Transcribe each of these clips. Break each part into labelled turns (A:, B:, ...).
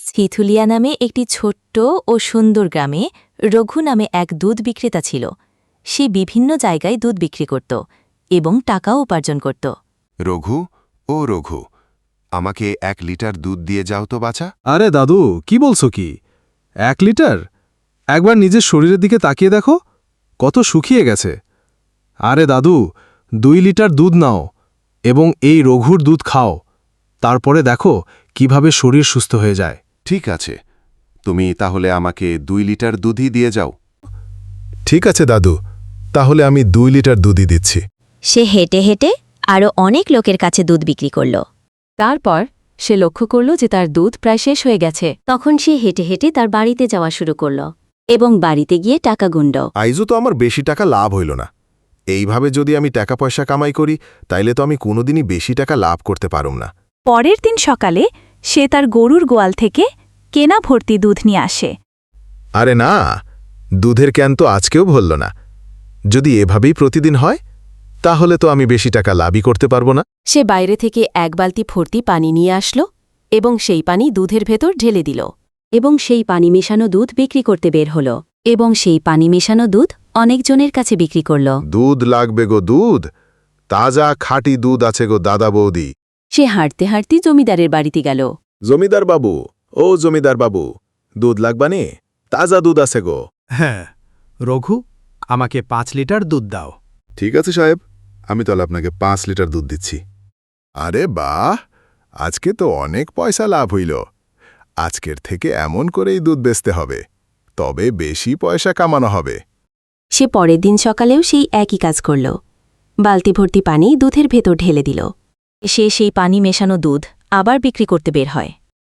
A: সিথুলিয়া নামে একটি ছোট্ট ও সুন্দর গ্রামে রঘু নামে এক দুধ বিক্রেতা ছিল। সে বিভিন্ন জায়গায় দুধ বিক্রি করত এবং টাকাও উপার্জন করত।
B: রঘু, ও রঘু, আমাকে 1 লিটার দুধ দিয়ে যাও তো বাছা।
C: আরে দাদু, কি বলছো কি? 1 লিটার? একবার নিজের শরীরের দিকে তাকিয়ে দেখো, কত শুকিয়ে গেছে। আরে দাদু, 2 লিটার দুধ নাও এবং এই রঘুর দুধ খাও, তারপরে দেখো কিভাবে শরীর সুস্থ হয়ে যায়।
B: ঠিক আছে, তুমি তাহলে আমাকে 2 লিটার দুধই দিয়ে যাও।
D: ঠিক আছে দাদু, তাহলে আমি 2 লিটার দুধই দিচ্ছি।
A: সে হেঁটে হেঁটে আরও অনেক লোকের কাছে দুধ বিক্রি করল।
E: তারপর সে লক্ষ্য করল যে তার দুধ প্রায় শেষ হয়ে গেছে।
A: তখন সে হেঁটে হেঁটে তার বাড়িতে যাওয়া শুরু করল এবং বাড়িতে গিয়ে টাকা গুনল।
D: আইজও তো আমার বেশি টাকা লাভ হইল না। এইভাবে যদি আমি টাকা পয়সা কামাই করি, তাইলে তো আমি কোনোদিনই বেশি টাকা লাভ করতে পারুম না।
F: পরের দিন সকালে সে তার গরুর গোয়াল থেকে কেনা ভর্তি দুধ নিয়ে আসে।
D: আরে না, দুধের ক্যান তো আজকেও ভরল না। যদি এভাবেই প্রতিদিন হয়, তাহলে তো আমি বেশি টাকা লাভই করতে পারবো না।
E: সে বাইরে থেকে 1 বালতি ভর্তি পানি নিয়ে আসলো এবং সেই পানি দুধের ভেতর ঢেলে দিল।
A: এবং সেই পানি মেশানো দুধ বিক্রি করতে বের হল এবং সেই পানি মেশানো দুধ অনেকজনের কাছে বিক্রি করল।
D: দুধ লাগবে গো দুধ, তাজা খাঁটি দুধ আছে গো দাদা বৌদি।
A: সে হাঁটতে হাঁটতে জমিদারের বাড়িতে গেল।
D: জমিদার বাবু, ও জমিদার বাবু, দুধ লাগবানে? তাজা দুধ আছে গো।
G: হ্যাঁ রঘু, আমাকে 5 লিটার দুধ দাও।
D: ঠিক আছে সাহেব, আমি তাহলে আপনাকে 5 লিটার দুধ দিচ্ছি। আরে বাহ, আজকে তো অনেক পয়সা লাভ হইল। আজকের থেকে এমন করেই দুধ বেচতে হবে, তবে বেশি পয়সা কামানো হবে।
A: সে পরের দিন সকালেও সেই একই কাজ করল। বালতি ভর্তি পানি দুধের ভেতর ঢেলে দিল। সে সেই পানি মেশানো দুধ আবার বিক্রি করতে বের হয়।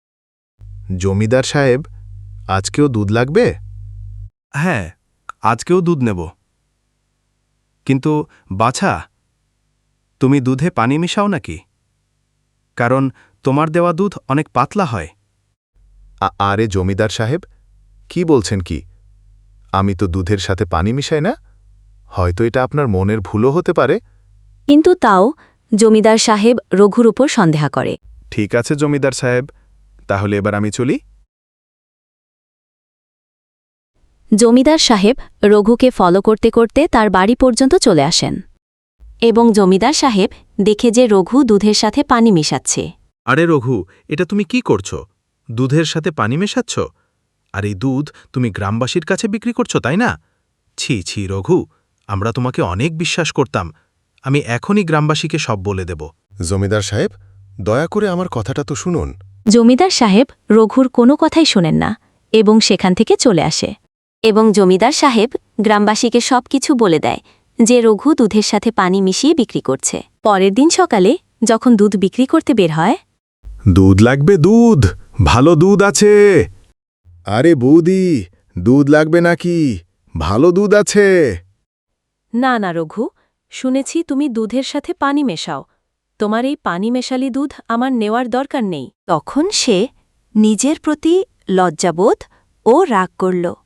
D: জমিদার সাহেব, আজকেও দুধ লাগবে?
G: হ্যাঁ, আজকেও দুধ নেব। কিন্তু বাছা, তুমি দুধে পানি মিশাও নাকি? কারণ তোমার দেওয়া দুধ অনেক পাতলা হয়।
D: আরে জমিদার সাহেব, কি বলছেন কি? আমি তো দুধের সাথে পানি মিশাই না। হয়তো এটা আপনার মনের ভুলও হতে পারে।
A: কিন্তু তাও জমিদার সাহেব রঘুর উপর সন্দেহ করে।
D: ঠিক আছে জমিদার সাহেব, তাহলে এবার আমি চলি।
A: জমিদার সাহেব রঘুকে ফলো করতে করতে তার বাড়ি পর্যন্ত চলে আসেন এবং জমিদার সাহেব দেখে যে রঘু দুধের সাথে পানি মেশাচ্ছে।
G: আরে রঘু, এটা তুমি কি করছো? দুধের সাথে পানি মেশাচ্ছ? আর এই দুধ তুমি গ্রামবাসীর কাছে বিক্রি করছো, তাই না? ছি ছি রঘু, আমরা তোমাকে অনেক বিশ্বাস করতাম। আমি এখনই গ্রামবাসীকে সব বলে দেব।
D: জমিদার সাহেব, দয়া করে আমার কথাটা তো শুনুন।
A: জমিদার সাহেব রঘুর কোনো কথাই শোনেন না এবং সেখান থেকে চলে আসে এবং জমিদার সাহেব গ্রামবাসীকে সবকিছু বলে দেয় যে রঘু দুধের সাথে পানি মিশিয়ে বিক্রি করছে। পরের দিন সকালে যখন দুধ বিক্রি করতে বের হয়,
D: দুধ লাগবে দুধ, ভালো দুধ আছে। আরে বৌদি, দুধ লাগবে নাকি? ভালো দুধ আছে।
E: না না রঘু, শুনেছি তুমি দুধের সাথে পানি মেশাও। তোমার এই পানি মেশালি দুধ আমার নেওয়ার দরকার নেই।
F: তখন সে নিজের প্রতি লজ্জাবোধ ও রাগ করল।